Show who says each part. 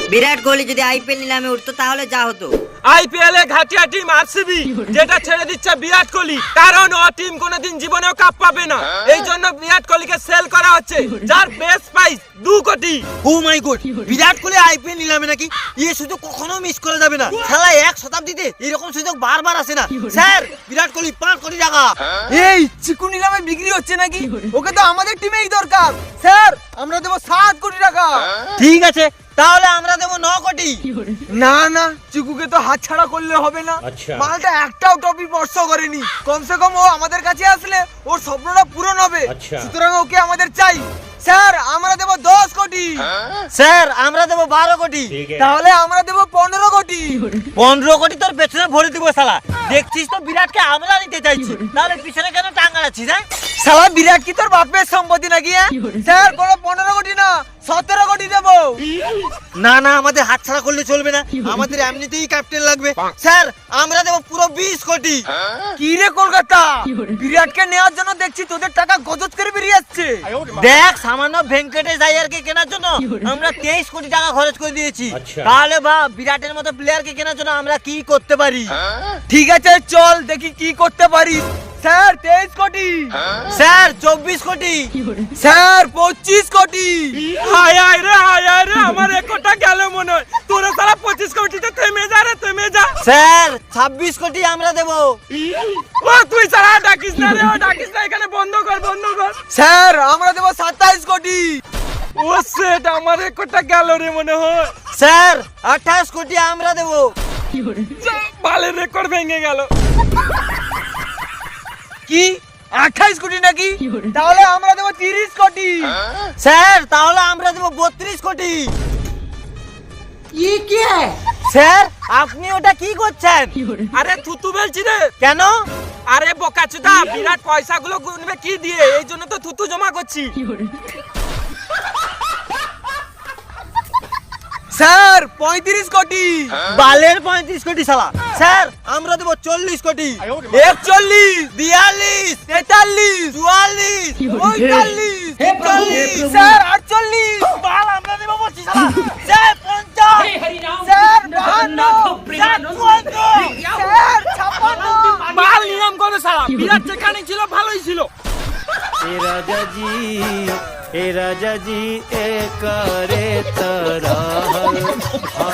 Speaker 1: বিরাট কোহলি যদি আইপিএল নিলামে উঠতো তাহলে যা হতো।
Speaker 2: আইপিএল এ ঘাটিয়া টিম আরসিবি যেটা ছেড়ে দিচ্ছে বিরাট কোহলি, কারণ ও টিম কোনোদিন জীবনেও কাপ পাবে না। এই জন্য বিরাট কোহলিকে সেল করা হচ্ছে, যার বেস্ট প্রাইস 2 কোটি।
Speaker 3: Oh my god, Virat Kohli IPL নিলামে নাকি? এই সুযোগ কখনো মিস করা যাবে না। খেলা 1 শতাব্দীতে এরকম সুযোগ বারবার আসে না। স্যার, বিরাট কোহলি 5 কোটি টাকা।
Speaker 4: এই চিকু নিলামে বিক্রি হচ্ছে নাকি? ওকে তো আমাদের টিমেই দরকার। স্যার, আমরা দেব 7 কোটি টাকা।
Speaker 3: ঠিক আছে, তাহলে আমরা দেব 9 কোটি।
Speaker 4: না না, চিকুকে তো হাতছাড়া করলে হবে না। মালটা একটাও টপি স্পর্শ করেনি। কমসে কম ও আমাদের কাছে আসলে ওর স্বপ্নটা পূরণ হবে। সুতরাং ওকে আমাদের চাই। স্যার, আমরা দেব 10 কোটি।
Speaker 3: স্যার, আমরা দেব 12 কোটি।
Speaker 4: তাহলে আমরা দেব 15 কোটি।
Speaker 3: 15 কোটি তোর পেছনে ভরে দিব শালা। দেখছিস তো বিরাটকে আমরা নিতে চাইছি, তাহলে পিছনে কেন টাঙ্গাচ্ছিস? হ্যাঁ
Speaker 4: শালা, বিরাট কি তোর বাপের সম্পত্তি নাকি? স্যার, কোনো 15 কোটি না, 17 কোটি দেব।
Speaker 3: না না, আমাদের হাতছাড়া করলে চলবে না, আমাদের এমনিতেই ক্যাপ্টেন লাগবে। স্যার, আমরা দেব পুরো 20 কোটি।
Speaker 4: কি রে কলকাতা, বিরাটকে নেওয়ার জন্য দেখছি তোদের টাকা গজত করে বেরিয়ে যাচ্ছে।
Speaker 3: দেখ, সামান্য ভেঙ্কটেশ আইয়ারকে কেনার জন্য আমরা 23 কোটি টাকা খরচ করে দিয়েছি। তাহলে বা বিরাটের মতো প্লেয়ারকে কেনার জন্য আমরা কি করতে পারি?
Speaker 4: ঠিক আছে, চল দেখি কি করতে পারি। স্যার, 23 কোটি।
Speaker 3: স্যার, 24 কোটি।
Speaker 4: স্যার, 25 কোটি।
Speaker 2: হায় হায় রে, আমার 1 কোটি গেল মনে হয়। তোরা সারা 25 কোটিতে থেমে যা রে, থেমে যা।
Speaker 3: স্যার, 26 কোটি আমরা দেব।
Speaker 2: ও তুই সারা ডাকিস না রে, ডাকিস না, এখানে বন্ধ কর, বন্ধ কর।
Speaker 4: স্যার, আমরা দেব 27 কোটি।
Speaker 2: ও সেট, আমার 1 কোটি গেল রে মনে হয়।
Speaker 3: স্যার, 28 কোটি আমরা দেব।
Speaker 2: বালের রেকর্ড ভেঙে গেল।
Speaker 4: কি 28 কোটি নাকি? তাহলে আমরা দেব 30 কোটি।
Speaker 3: স্যার, তাহলে আমরা দেব 32 কোটি।
Speaker 4: কি?
Speaker 3: স্যার, আপনি ওটা কি করছেন?
Speaker 2: আরে থুতু বলছি রে।
Speaker 3: কেন?
Speaker 2: আরে বোকাচোদা, বিরাট পয়সাগুলো গুনবে কি দিয়ে, এই জন্য তো থুতু জমা করছি।
Speaker 4: স্যার, 35 কোটি।
Speaker 3: বালের 35 কোটি শালা। স্যার, আমরা দেব 40 কোটি।
Speaker 4: 41,
Speaker 3: 42,
Speaker 4: 43,
Speaker 3: 44,
Speaker 4: 45,
Speaker 3: 46,
Speaker 4: স্যার 48,
Speaker 3: বাল আমরা দেব 25 শালা। Sir, 50,
Speaker 4: sir 52,
Speaker 3: sir 54,
Speaker 4: sir 56।
Speaker 2: বাল নিয়ম করো সালা, বিরাট যেখানে ছিল ভালোই ছিল।
Speaker 5: ए राजा जी ए करे तरह